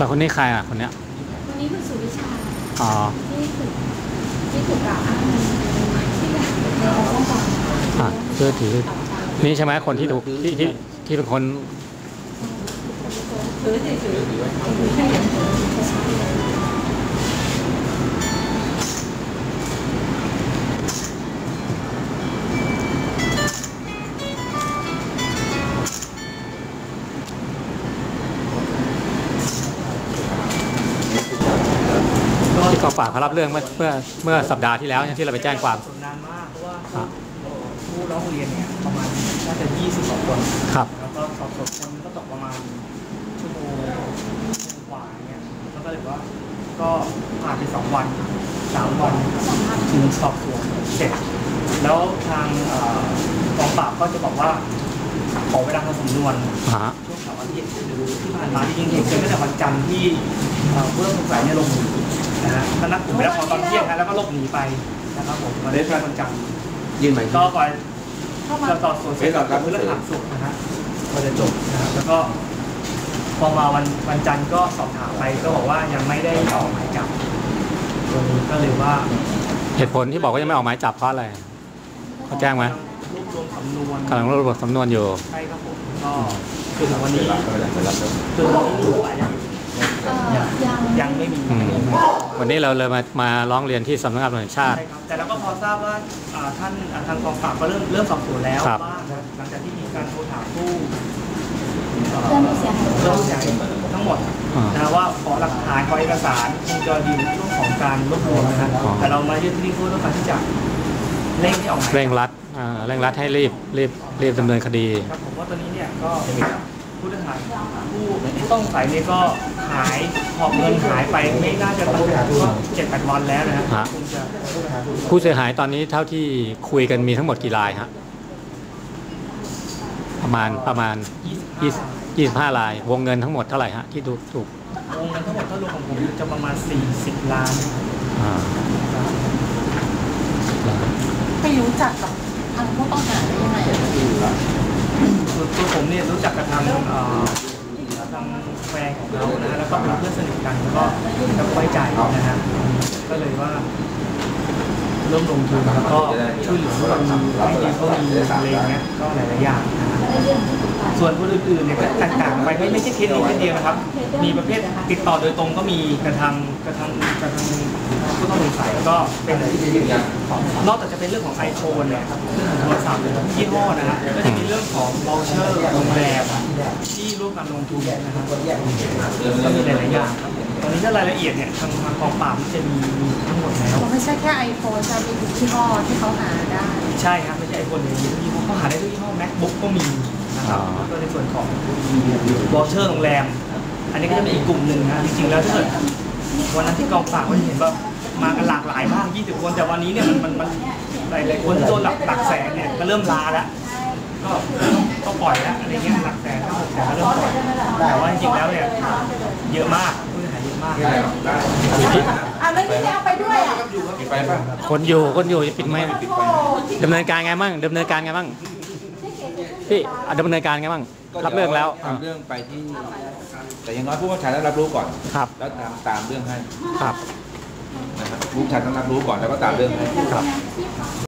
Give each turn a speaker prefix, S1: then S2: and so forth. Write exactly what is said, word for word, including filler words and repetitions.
S1: แล้วคนนี้ใครอ่ะคนเนี้ย
S2: คนนี้คือสุวิชา
S1: อ๋อ
S2: ที่ถูกที่ถูกกล่าวอ้างที่อยากในองค์กร
S1: อ่ะเพื่อถือนี่ใช่ไหมคนที่ถูกที่ที่ที่เป็นคน
S2: ถือถือถือถือให้เห็นถือ
S1: ที่กองปราบเขารับเรื่องเมื่อเมื่อเมื่อสัปดาห์ที่แล้วที่เราไปแจ้งความ
S3: นานมากเพราะว่าผู้ร้องเรียนเนี่ยประมาณน่าจะยี่สิบสองคน
S1: ครับ
S3: แล้วก็สอบสวนคนก็ตกประมาณชั่วโมงกว่าเนี่ยแล้วก็เลยว่าก็ผ่านไปสองวันสามวันถึงสอบสวนเสร็จแล้วทางกองปราบก็จะบอกว่าขอเวลาทำสำนวนช่วงเสาร์อาทิตย์หรือที่ผ่านมาที่ยิงเหตุเกิดตั้งแต่วันจันทร์ที่เพื่อนสงสัยเนี่ยลงมือนะฮะก็นัดกลุ่มไปแล้วพอตอนเที่ยงแล้วก็หลบหนีไปนะครับผมมาได้ที่วันจันทร์
S4: ยื่นหมาย
S3: ก็ก่อนจะต่อส่วนเสร็จกับเพื่อนหลักสุดนะฮะก็จะจบนะครับแล้วก็พอมาวันวันจันทร์ก็สอบถามไปก็บอกว่ายังไม่ได้ออกหมายจับตัวนี้ก็เลยว่า
S1: เหตุผลที่บอกว่ายังไม่ออกหมายจับเพราะอะไรเขาแจ้งไหม
S3: รวบรวมสำนวน
S1: กำลังรวบรวมสำนวนอยู่
S3: ใช่ครับผมก็คือถึงวันนี้คือวันนี้ยังยังไม่มี
S1: วันนี้เราเลยมามาร้องเรียนที่สำนักงานตำรวจแห่งชาติ
S3: ใช่ครับแต่เราก็พอทราบว่าท่านทางกองปราบก็เริ่มเริ่มสอบสวนแล้วว่าหลังจากที่มีการโทรถามผู้
S2: เรื่องเสียหาย
S3: เรื่องเสียหายทั้งหมดนะว่าขอหลักฐานขอเอกสารคงจะดีในช่วงของการรวบรวมนะครับแต่เรามายื่นที่นี่เพื่อต้องการที่จะเร่งที่ออกหมาย
S1: เร่งรัดเร่งรัดให้รีบรีบรีบดำเนินคดี
S3: ครับผมว่าตอนนี้เนี่ยก็ผู้ต้องหาผู้ต้องสงสัยเนี่ยก็หายหอบเงินหายไปไม่น่าจะตั้งแต่ก็เจ็ดแปดวันแล้วนะครับ
S1: ผู้เสียหายตอนนี้เท่าที่คุยกันมีทั้งหมดกี่รายฮะประมาณประมาณยี่สิบห้าราย วงเงินทั้งหมดเท่าไหร่ฮะที่ถูกถูก
S3: วงเงินทั้งหมดถ้ารวมของผมจะประมาณสี่สิบล้าน
S2: ไปรู้จักกับทางผู้ต้องหาได้ยังไง
S3: ตัวผมเนี่ยรู้จักกับทางทางแฟนของเขานะแล้วก็เป็นเพื่อนสนิทกันแล้วก็แล้วไว้ใจนะฮะก็เลยว่าเริ่มลงทุนแล้วก็ช่วยเหลือคนให้ดีเขามีอะไรเงี้ยก็หลายๆอย่างนะส่วนคนอื่นๆเนี่ยก็ต่างๆไปไม่ไม่ใช่เคสนี้เคสเดียวนะครับมีประเภทติดต่อโดยตรงก็มีกระทำกระทำกระทำผู้ต้องสงสัยก็เป็นนอกจากจะเป็นเรื่องของไอโฟนเนี่ยเรื่องของโทรศัพท์ยี่ห้อนะฮะก็จะมีเรื่องของวอลเชอร์โรงแรมที่ร่วมกันลงทุนนะครับก็มีหลายๆอย่างตอนนี้ถ้ารายละเอียดเนี่ยทางทางกองปราบจะมีทั้งหมดแล้ว
S2: ไม่ใช่แค่ไอโฟนจะมีทุกยี่ห้อที่เขาหาได้
S3: ใช่ครับไม่ใช่ไอโฟนอย่างเดียวยี่ห้อเขาหาได้ทุกยี่ห้อ MacBook ก็มีนะครับแล้วก็ในส่วนของวอลเชอร์โรงแรมอันนี้ก็จะเป็นอีกกลุ่มหนึ่งนะจริงๆแล้วถ้าเกิดวันนั้นที่กองปราบก็จะเห็นว่ามากันหลากหลายมากยี่สิบคนแต่วันนี้เนี่ยมันมันมันหลายๆคนที่โดนหลักหลักแสนเนี่ยก็เริ่มลาแล้วก็ก็ปล่อยแล้วอะไรเงี้ยหลักแสนหกแสนก็เริ่มปล่อยแต่ว่าจริงๆแล้วเนี่ยเยอะมากผู้เสียหายเยอะมาก
S2: อ่ะแล้วที่เอาไปด้วยอ่ะ
S1: คนอยู่คนอยู่จะปิดไหมดำเนินการไงบ้างดำเนินการไงบ้างพี่ดำเนินการไงบ้างรับเรื่องแล้ว
S4: ทำเรื่องไปที่แต่ยังน้อยผู้บัญชาการรับรู้ก่อน
S1: ครับ
S4: แล้วตามตามเรื่องให้
S1: ครับ
S4: นะครับผู้บัญชาการต้องรับรู้ก่อนแล้วก็ตามเรื่องให้
S1: ครับ